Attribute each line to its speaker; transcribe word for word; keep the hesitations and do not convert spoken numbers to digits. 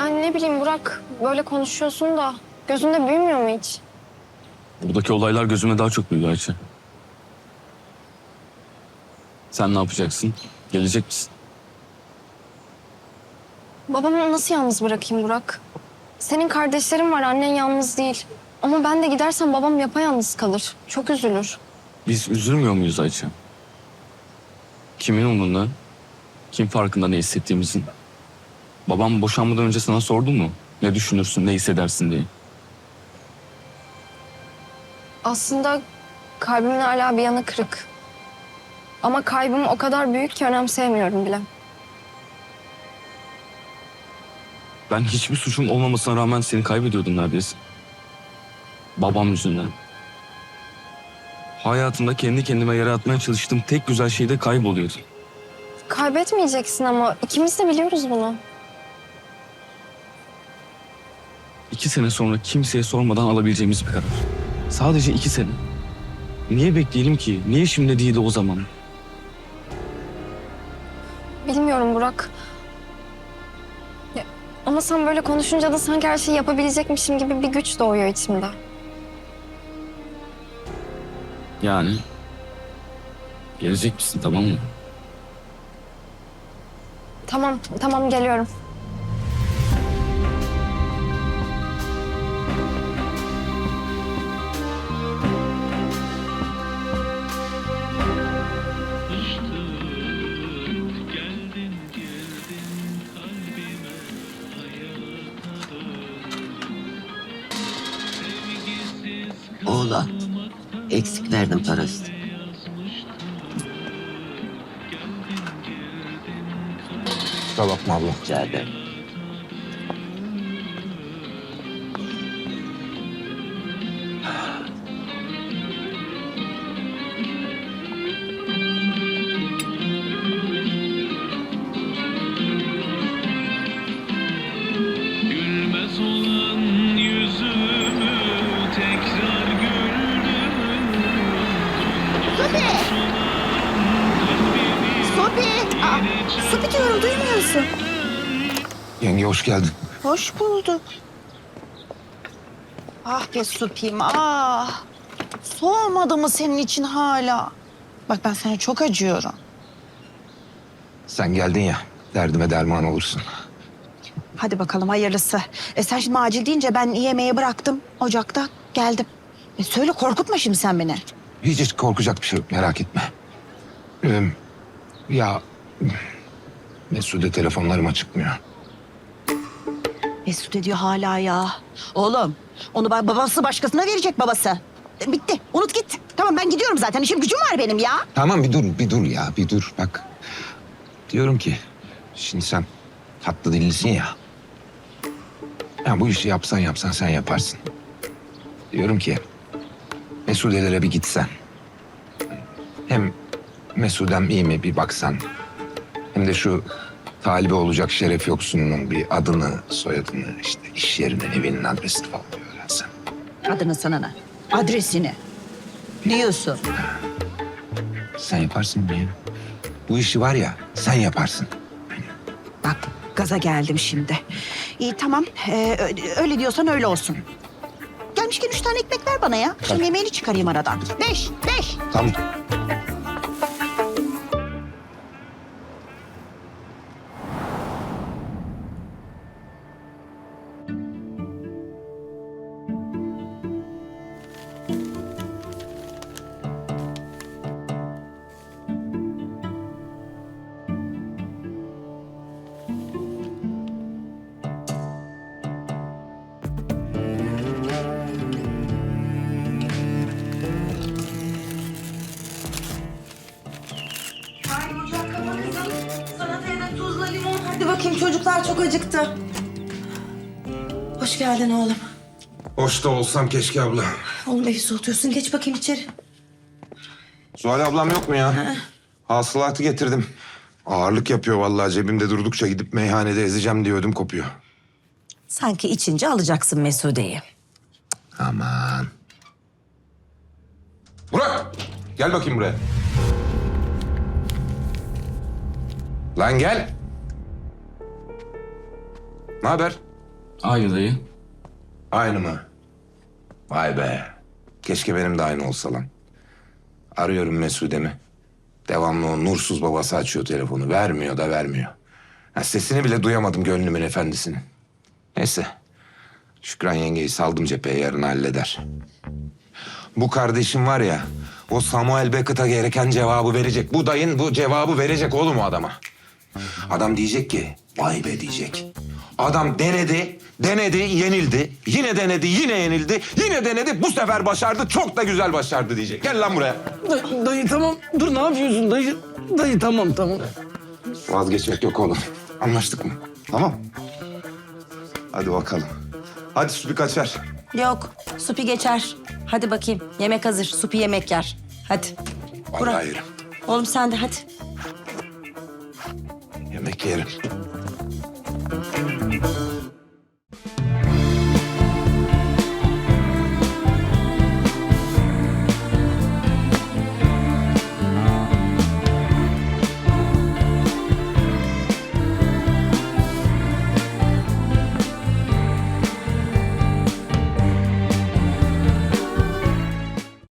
Speaker 1: Yani ne bileyim Burak, böyle konuşuyorsun da gözünde büyümüyor mu hiç?
Speaker 2: Buradaki olaylar gözüme daha çok büyüdü Ayça. Sen ne yapacaksın? Gelecek misin?
Speaker 1: Babamı nasıl yalnız bırakayım Burak? Senin kardeşlerin var, annen yalnız değil. Ama ben de gidersem babam yapayalnız kalır. Çok üzülür.
Speaker 2: Biz üzülmüyor muyuz Ayça? Kimin umrunda? Kim farkında ne hissettiğimizin? Babam boşanmadan önce sana sordu mu? Ne düşünürsün, ne hissedersin diye.
Speaker 1: Aslında kalbimin hala bir yanı kırık. Ama kaybım o kadar büyük ki önemseyemiyorum bile.
Speaker 2: Ben hiçbir suçum olmamasına rağmen seni kaybediyordum neredeyse. Babam yüzünden. Hayatımda kendi kendime yaratmaya çalıştığım tek güzel şey de kayboluyordu.
Speaker 1: Kaybetmeyeceksin ama ikimiz de biliyoruz bunu.
Speaker 2: İki sene sonra kimseye sormadan alabileceğimiz bir karar. Sadece iki sene. Niye bekleyelim ki? Niye şimdi değil de o zaman?
Speaker 1: Bilmiyorum Burak. Ya, ama sen böyle konuşunca da sanki her şeyi yapabilecekmişim gibi bir güç doğuyor içimde.
Speaker 2: Yani gelecek misin, tamam mı?
Speaker 1: Tamam, tamam geliyorum.
Speaker 3: Oğlan, eksik verdim parası.
Speaker 4: Kusura bakma abla.
Speaker 3: Rica ederim.
Speaker 5: Gülmez olan yüzümü tekrar güldürün.
Speaker 6: Sopi! Sopi! Aa, Sopi diyorum, duymuyorsun.
Speaker 4: Yenge hoş geldin.
Speaker 6: Hoş bulduk. Ah be Sopi'm, ah. Soğumadı mı senin için hala? Bak ben sana çok acıyorum.
Speaker 4: Sen geldin ya, derdime derman olursun.
Speaker 6: Hadi bakalım hayırlısı. E sen şimdi acil deyince ben yemeği bıraktım ocakta, geldim. E söyle, korkutma şimdi sen beni.
Speaker 4: Hiç hiç korkacak bir şey yok, merak etme. Ee, ya Mesude telefonlarıma çıkmıyor.
Speaker 6: Mesut ediyor hala ya. Oğlum, onu ba- babası başkasına verecek babası. E, bitti, unut git. Tamam ben gidiyorum zaten, işim gücüm var benim ya.
Speaker 4: Tamam bir dur, bir dur ya, bir dur. Bak, diyorum ki şimdi sen tatlı dillisin ya. Ya bu işi yapsan yapsan sen yaparsın. Diyorum ki Mesude'lere bir gitsen. Hem Mesudem iyi mi bir baksan. Hem de şu talibi olacak Şeref Yoksun'un bir adını, soyadını, işte iş yerini, evinin adresini falan bir öğrensen.
Speaker 6: Adını sana ne? Adresini. Diyorsun.
Speaker 4: Sen yaparsın mı ya? Bu işi var ya sen yaparsın.
Speaker 6: Bak gaza geldim şimdi. İyi tamam, ee, ö- öyle diyorsan öyle olsun. Gelmişken üç tane ekmek ver bana ya. Akşam yemeğini çıkarayım aradan. Beş, beş.
Speaker 4: Tamam.
Speaker 7: Haydi ocak kapa kızım. Salataya da tuzla limon. Hadi bakayım, çocuklar çok acıktı. Hoş geldin oğlum.
Speaker 4: Hoş da olsam keşke abla.
Speaker 7: Oğlum evi soğutuyorsun. Geç bakayım içeri.
Speaker 4: Zuhal ablam yok mu ya? Hasılatı getirdim. Ağırlık yapıyor vallahi, cebimde durdukça gidip meyhanede ezeceğim diye ödüm kopuyor.
Speaker 7: Sanki içince alacaksın Mesude'yi.
Speaker 4: Aman. Burak! Gel bakayım buraya. Lan gel. Ne haber?
Speaker 2: Aynı dayı.
Speaker 4: Aynı mı? Vay be. Keşke benim de aynı olsa lan. Arıyorum Mesude'mi. Devamlı o nursuz babası açıyor telefonu. Vermiyor da vermiyor. Ha, sesini bile duyamadım gönlümün efendisinin. Neyse. Şükran yengeyi saldım cepheye, yarın halleder. Bu kardeşim var ya, o Samuel Beckett'a gereken cevabı verecek. Bu dayın bu cevabı verecek oğlum o adama. Adam diyecek ki, vay be diyecek. Adam denedi, denedi, yenildi. Yine denedi, yine yenildi. Yine denedi, bu sefer başardı. Çok da güzel başardı diyecek. Gel lan buraya.
Speaker 8: Dayı, dayı tamam. Dur ne yapıyorsun dayı? Dayı tamam tamam.
Speaker 4: Vazgeçmek yok oğlum. Anlaştık mı? Tamam. Hadi bakalım. Hadi Supi kaçar.
Speaker 7: Yok, Supi geçer. Hadi bakayım, yemek hazır. Supi yemek yer. Hadi.
Speaker 4: Vallahi yerim.
Speaker 7: Oğlum sen de hadi.
Speaker 4: Yemek yerim.